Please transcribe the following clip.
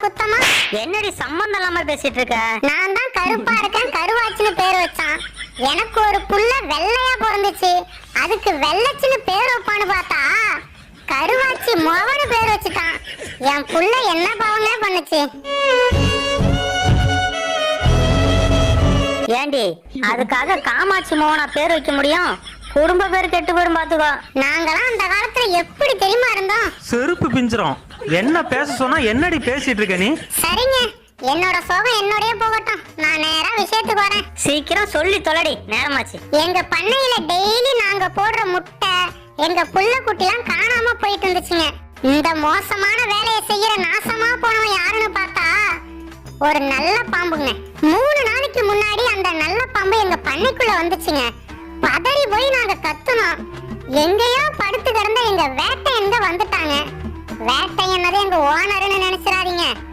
குத்தமா? என்னடி சம்பந்தம் இல்லாம பேசிட்டு இருக்க? நான் தான் கருப்பா இருக்கேன், கருவாச்சின்னு பேர் வச்சான். எனக்கு ஒரு புள்ள வெள்ளையா பிறந்துச்சு, அதுக்கு வெள்ளச்சின்னு பேர் வைப்பான்னு பார்த்தா கருவாச்சி மோவனு பேர் வச்சுட்டான். என் புள்ள என்ன பாவமே பண்ணுச்சு. ஏண்டி அதுக்காக காமாட்சி மோகனா பேர் வைக்க முடியும்? குடும்ப பேர் கெட்டு போயிடும் பாத்துக்கோ. நாங்களாம் அந்த காலத்துல எப்படி தெரியுமா இருந்தோம்? செருப்பு பிஞ்சிரும். என்ன பேச சொன்னா என்னடி பேசிட்டு இருக்க நீ? சரிங்க, என்னோட சோகம் என்னோடய போகட்டும். நான் நேரா விஷயத்துக்கு வரேன். சீக்கிரம் சொல்லி தொலைடி, நேரமாச்சு. எங்க பண்ணையில டெய்லி நாங்க போடுற முட்டை, எங்க புள்ள குட்டிலாம் காணாம போயிட்டு இருந்துச்சுங்க. இந்த மோசமான வேலையை செய்யற நாசமா போனவன் யாருன்னு பார்த்தா ஒரு நல்ல பாம்புங்க. 3 நாளைக்கு முன்னாடி அந்த நல்ல பாம்பு எங்க பண்ணைக்குள்ள வந்துச்சுங்க. பதறி போய் நாங்க கத்துனோம். எங்கேயோ படுத்து கிடந்த எங்க வேட்டை எங்க வந்துட்டாங்க. வேட்டை என்னது எங்க ஓனர்னு நினைச்சிடாதீங்க.